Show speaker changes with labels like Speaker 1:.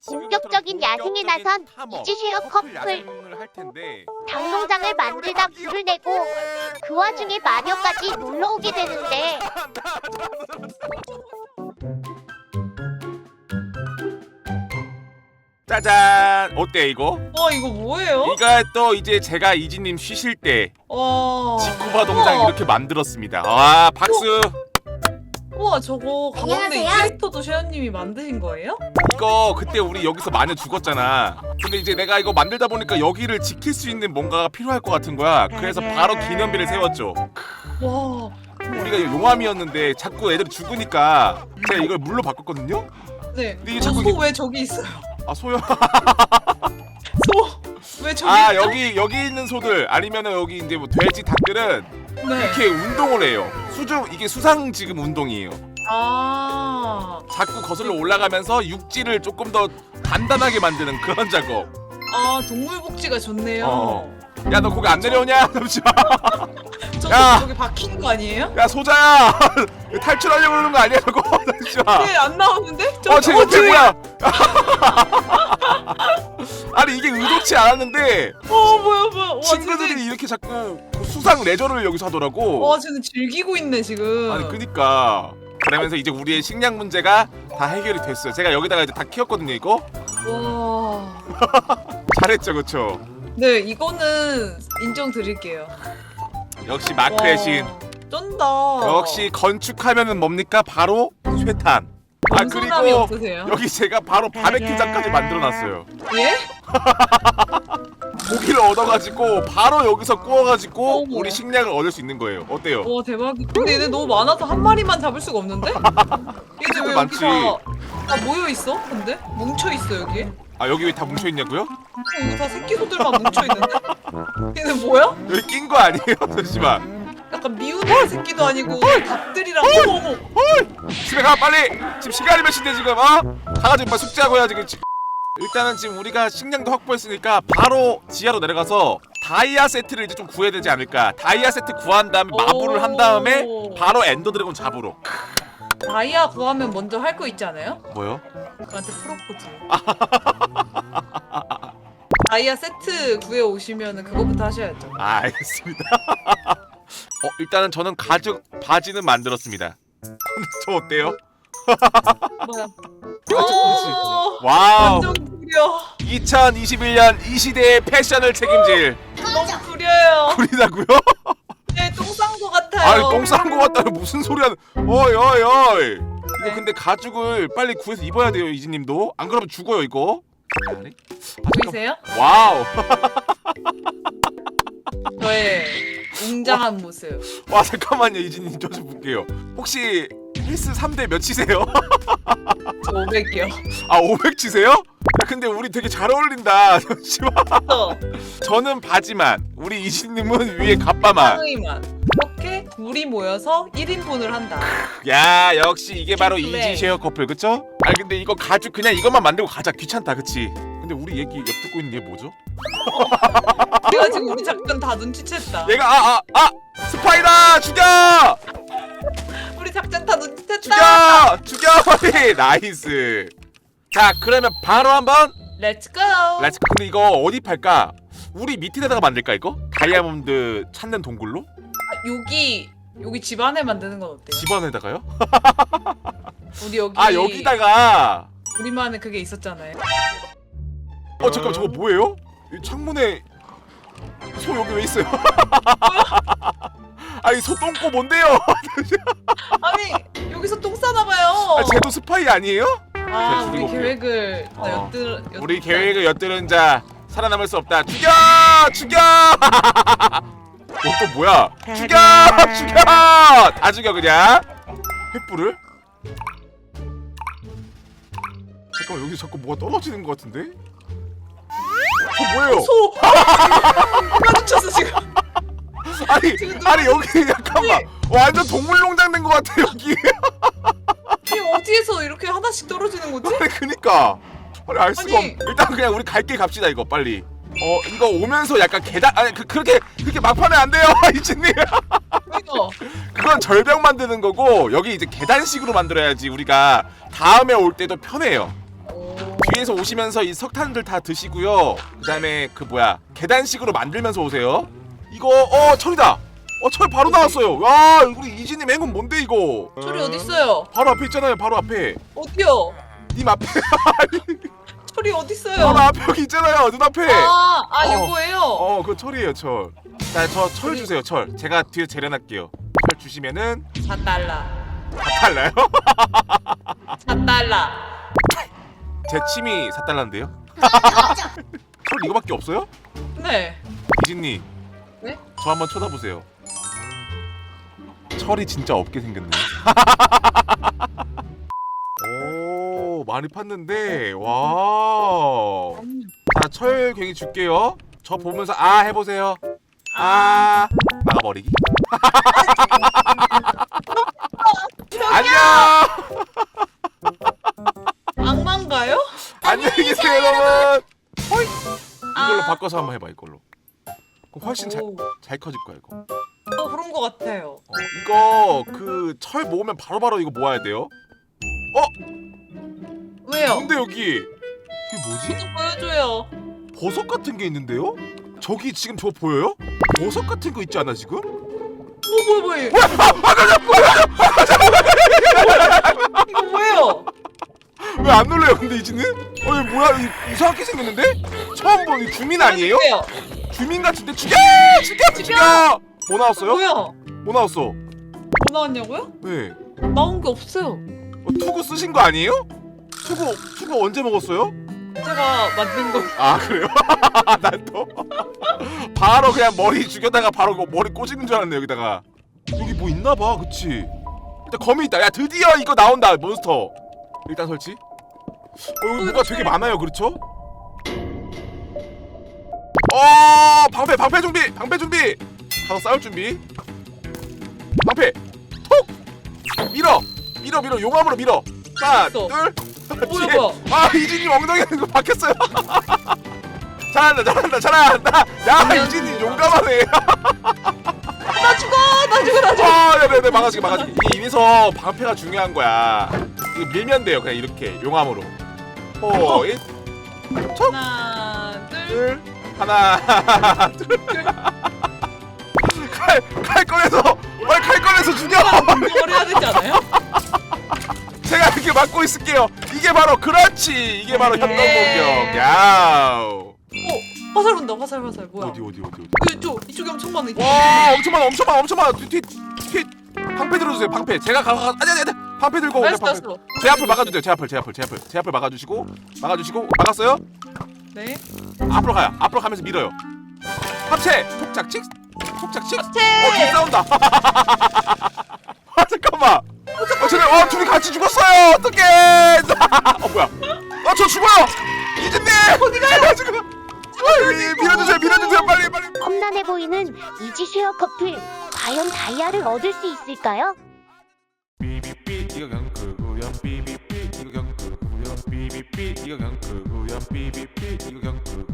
Speaker 1: 본격적인 야생에 나선 이지쉐어 커플.
Speaker 2: 할 텐데.
Speaker 1: 닭농장을 만들다 불을 내고 그 와중에 마녀까지 놀러 오게 되는데
Speaker 2: 짜잔! 어때 이거?
Speaker 3: 이거 뭐예요?
Speaker 2: 이거 또 이제 제가 이지님 쉬실 때 지쿠바 동장 이렇게 만들었습니다. 와 박수!
Speaker 3: 우와 저거 가운데
Speaker 1: 안녕하세요.
Speaker 3: 캐릭터도 셰연님이 만드신 거예요?
Speaker 2: 이거 그때 우리 여기서 마녀 죽었잖아. 근데 이제 내가 이거 만들다 보니까 여기를 지킬 수 있는 뭔가가 필요할 것 같은 거야. 그래서 바로 기념비를 세웠죠.
Speaker 3: 와
Speaker 2: 우리가 용암이었는데 자꾸 애들이 죽으니까 제가 이걸 물로 바꿨거든요?
Speaker 3: 네.
Speaker 2: 근데 이게 자꾸
Speaker 3: 소 왜 저기 있어요?
Speaker 2: 아 소요?
Speaker 3: 소 왜 저기
Speaker 2: 아
Speaker 3: 있죠?
Speaker 2: 여기 있는 소들 아니면은 여기 이제 뭐 돼지 닭들은
Speaker 3: 네.
Speaker 2: 이렇게 운동을 해요. 이게 수상 지금 운동이에요.
Speaker 3: 아
Speaker 2: 자꾸 거슬러 올라가면서 육지를 조금 더 단단하게 만드는 그런 작업.
Speaker 3: 동물 복지가 좋네요.
Speaker 2: 야 너 거기 안 내려오냐? 잠시만.
Speaker 3: 저 저기 박힌 거 아니에요?
Speaker 2: 야 소자야 탈출하려고 그러는 거 아니야 저거? 잠시만.
Speaker 3: 네, 안 나오는데? 저
Speaker 2: 쟤 옆에 뭐야? 아니 이게 의도치 않았는데
Speaker 3: 뭐야 와,
Speaker 2: 친구들이
Speaker 3: 쟤네-
Speaker 2: 이렇게 자꾸 그 수상 레저를 여기서 하더라고.
Speaker 3: 와 쟤는 즐기고 있네 지금.
Speaker 2: 아니 그니까 그러면서 이제 우리의 식량 문제가 다 해결이 됐어요. 제가 여기다가 이제 다 키웠거든요 이거.
Speaker 3: 와.
Speaker 2: 잘했죠 그쵸?
Speaker 3: 네 이거는 인정 드릴게요.
Speaker 2: 역시 마크의 신.
Speaker 3: 쩐다.
Speaker 2: 역시 건축하면은 뭡니까? 바로 쇠탄. 아
Speaker 3: 겸손함이
Speaker 2: 그리고
Speaker 3: 없으세요?
Speaker 2: 여기 제가 바로 바베큐장까지 만들어놨어요.
Speaker 3: 예?
Speaker 2: 고기를 얻어가지고 바로 여기서 구워가지고
Speaker 3: 어머.
Speaker 2: 우리 식량을 얻을 수 있는 거예요. 어때요?
Speaker 3: 와 대박이다. 근데 얘네 너무 많아서 한 마리만 잡을 수가 없는데? 얘네 왜
Speaker 2: 많지.
Speaker 3: 여기 다 모여 있어? 근데 뭉쳐 있어 여기?
Speaker 2: 아 여기 왜 다 뭉쳐 있냐고요?
Speaker 3: 여기 다 새끼 소들만 뭉쳐 있는데? 얘네 뭐야?
Speaker 2: 여기 낀 거 아니에요? 잠시만.
Speaker 3: 약간 미운 새끼도 아니고 닭들이랑 어머.
Speaker 2: 집에 가 빨리. 지금 시간이 몇 시인데 지금 가가지고 빨리 숙제하고 해야지. 일단은 지금 우리가 식량도 확보했으니까 바로 지하로 내려가서 다이아 세트를 이제 좀 구해야 되지 않을까. 다이아 세트 구한 다음에 마블을 한 다음에 바로 엔더 드래곤 잡으러.
Speaker 3: 다이아 구하면 먼저 할 거 있지 않아요?
Speaker 2: 뭐요?
Speaker 3: 그한테 프로포즈. 다이아 세트 구해 오시면은 그거부터 하셔야죠.
Speaker 2: 아 알겠습니다. 일단은 저는 가죽 바지는 만들었습니다. 저 어때요?
Speaker 3: 뭐야?
Speaker 2: 와우.
Speaker 3: 완전 구려.
Speaker 2: 2021년 이 시대의 패션을 책임질
Speaker 3: 너무 구려요.
Speaker 2: 우리다고요?
Speaker 3: 네, 똥 싼 거 같아요.
Speaker 2: 아니 똥 싼 거 같다는 무슨 소리 하는? 어이. 이거
Speaker 3: 네.
Speaker 2: 근데 가죽을 빨리 구해서 입어야 돼요 이지님도. 안 그러면 죽어요 이거. 아니?
Speaker 3: 보이세요?
Speaker 2: 와우.
Speaker 3: 저의 웅장한 모습.
Speaker 2: 와 잠깐만요 이지님 저 좀 볼게요. 혹시 헬스 3대 몇 치세요?
Speaker 3: 저 500이요.
Speaker 2: 아 500 치세요? 야, 근데 우리 되게 잘 어울린다. 잠시만. 저는 바지만, 우리 이지님은 위에 갑바만.
Speaker 3: 상의만. 이렇게 둘이 모여서 1인분을 한다.
Speaker 2: 야 역시 이게 바로
Speaker 3: 플레이.
Speaker 2: 이지 쉐어 커플 그쵸? 아니 근데 이거 가죽 그냥 이것만 만들고 가자. 귀찮다 그치? 근데 우리 얘기 옆 듣고 있는 얘 뭐죠?
Speaker 3: 내가 지금 우리 작전 다 눈치챘다.
Speaker 2: 얘가 스파이다! 죽여!
Speaker 3: 우리 작전 다 눈치챘다.
Speaker 2: 죽여 빨리! 나이스. 자 그러면 바로 한번
Speaker 3: 렛츠고.
Speaker 2: 렛츠. 근데 이거 어디 팔까? 우리 밑에다가 만들까 이거? 다이아몬드 찾는 동굴로?
Speaker 3: 여기 집 안에 만드는 건 어때요?
Speaker 2: 집안에다가요?
Speaker 3: 우리 여기
Speaker 2: 여기다가.
Speaker 3: 우리만의 그게 있었잖아요.
Speaker 2: 잠깐만 저거 뭐예요? 이 창문에 소 여기 왜 있어요? 아니 소 똥꼬 뭔데요?
Speaker 3: 아니 여기서 똥 싸나 봐요.
Speaker 2: 쟤도 스파이 아니에요?
Speaker 3: 우리
Speaker 2: 죽이고
Speaker 3: 계획을 다
Speaker 2: 우리 계획을 엿들은 자 살아남을 수 없다. 죽여! 또 뭐야? 죽여! 다 죽여 그냥. 횃불을? 잠깐만 여기 자꾸 뭐가 떨어지는 것 같은데? 뭐예요?
Speaker 3: 소. 마주쳤어 지금.
Speaker 2: 아니 여기 잠깐만 완전 동물농장 된 것 같아 여기.
Speaker 3: 이게 어디에서 이렇게 하나씩 떨어지는 거지?
Speaker 2: 아니 그니까 아니 알 수가 없.
Speaker 3: 아니.
Speaker 2: 일단 그냥 우리 갈 길 갑시다 이거 빨리. 이거 오면서 약간 계단 그렇게 막판에 안 돼요 이진님.
Speaker 3: 이거
Speaker 2: 그건 절벽 만드는 거고 여기 이제 계단식으로 만들어야지 우리가 다음에 올 때도 편해요. 위에서 오시면서 이 석탄들 다 드시고요. 그다음에 그 뭐야 계단식으로 만들면서 오세요. 이거 철이다. 철 바로 나왔어요. 와 우리 이진님 행운 뭔데 이거?
Speaker 3: 철이 어딨어요?
Speaker 2: 바로 앞에 있잖아요. 바로 앞에.
Speaker 3: 어디요?
Speaker 2: 님 앞에.
Speaker 3: 철이 어딨어요?
Speaker 2: 바로 앞에 여기 있잖아요. 눈앞에.
Speaker 3: 요거예요?
Speaker 2: 그 철이에요 철. 자 저 철 주세요 철. 제가 뒤에 재련할게요. 철 주시면은
Speaker 3: 4달러.
Speaker 2: 다 달라요?
Speaker 3: 4달러.
Speaker 2: 제 침이 4달러인데요? 철 이거밖에 없어요?
Speaker 3: 네.
Speaker 2: 이진님
Speaker 3: 네?
Speaker 2: 저 한번 쳐다보세요. 철이 진짜 없게 생겼네. 오 많이 팠는데 와. 자 철 괜히 줄게요. 저 보면서 해보세요. 막아버리기. 안녕.
Speaker 3: 악마인가요?
Speaker 2: 안녕히 계세요 여러분. 호이. 이걸로 바꿔서 한번 해봐 이걸로. 그럼 훨씬 잘 커질 거야 이거.
Speaker 3: 그런 거 같아요.
Speaker 2: 이거 그 철 모으면 바로바로 이거 모아야 돼요.
Speaker 3: 왜요?
Speaker 2: 근데 여기 이게 뭐지?
Speaker 3: 보여줘요.
Speaker 2: 버섯 같은 게 있는데요? 저기 지금 저거 보여요? 버섯 같은 거 있지 않아 지금?
Speaker 3: 뭐야? 이거 뭐예요?
Speaker 2: 왜 안 놀래요 근데 이지는? 이거 뭐야 이상하게 생겼는데? 처음 보는 주민 아니에요?
Speaker 3: 보여줄게요.
Speaker 2: 주민 같은데 죽여!
Speaker 3: 죽여!
Speaker 2: 뭐 나왔어요?
Speaker 3: 뭐야?
Speaker 2: 뭐 나왔어?
Speaker 3: 뭐 나왔냐고요?
Speaker 2: 네.
Speaker 3: 나온 게 없어요.
Speaker 2: 투구 쓰신 거 아니에요? 투구 언제 먹었어요?
Speaker 3: 제가 만든 거.
Speaker 2: 그래요? 난 또 바로 그냥 머리 죽여다가 바로 머리 꽂는 줄 알았네 여기다가. 여기 뭐 있나봐 그치? 일단 거미 있다. 야 드디어 이거 나온다 몬스터. 일단 설치. 여기 뭐가 되게 많아요 그렇죠? 방패 준비. 가서 싸울 준비. 방패 톡 밀어 용암으로 밀어. 하나
Speaker 3: 있어.
Speaker 2: 둘
Speaker 3: 뭐야?
Speaker 2: 이진님 엉덩이에 이거 박혔어요. 잘한다. 야 이진님 용감하네.
Speaker 3: 나 죽어.
Speaker 2: 네네 막아주기. 이게 이래서 방패가 중요한 거야. 이거 밀면 돼요 그냥 이렇게 용암으로.
Speaker 3: 하나, 둘.
Speaker 2: 하나 둘. 칼 꺼내서 빨리 칼 꺼내서 죽여.
Speaker 3: 이걸 해야 되지 않아요?
Speaker 2: 제가 이렇게 막고 있을게요. 이게 바로 그렇지. 이게 바로 협동 공격. 야우.
Speaker 3: 화살 온다. 화살. 뭐야?
Speaker 2: 어디.
Speaker 3: 이쪽에 엄청 많아.
Speaker 2: 와 엄청 많아. 뒤 방패 들어주세요. 방패. 제가 아니. 방패 들고 오세요. 방패. 제 앞을 막아주세요. 제 앞을 막아주시고 막았어요?
Speaker 3: 네.
Speaker 2: 앞으로 가면서 밀어요. 합체. 톡착칙. 뒤 싸운다. 잠깐만. 쟤네 둘이 같이 죽었어요. 어떡해. 뭐야? 저 죽어요. 이진님. 어디 가요? 지금. 밀어주세요. 빨리.
Speaker 1: 험난해 보이는 이지쉐어 커플. 과연 다이아를 얻을 수 있을까요?
Speaker 2: 삐삐삐 이거 그냥 크고요. 삐삐삐 이거 그냥 크고요. 삐삐삐 이거 그냥 크고요. 삐삐삐 이거 그냥 크고요.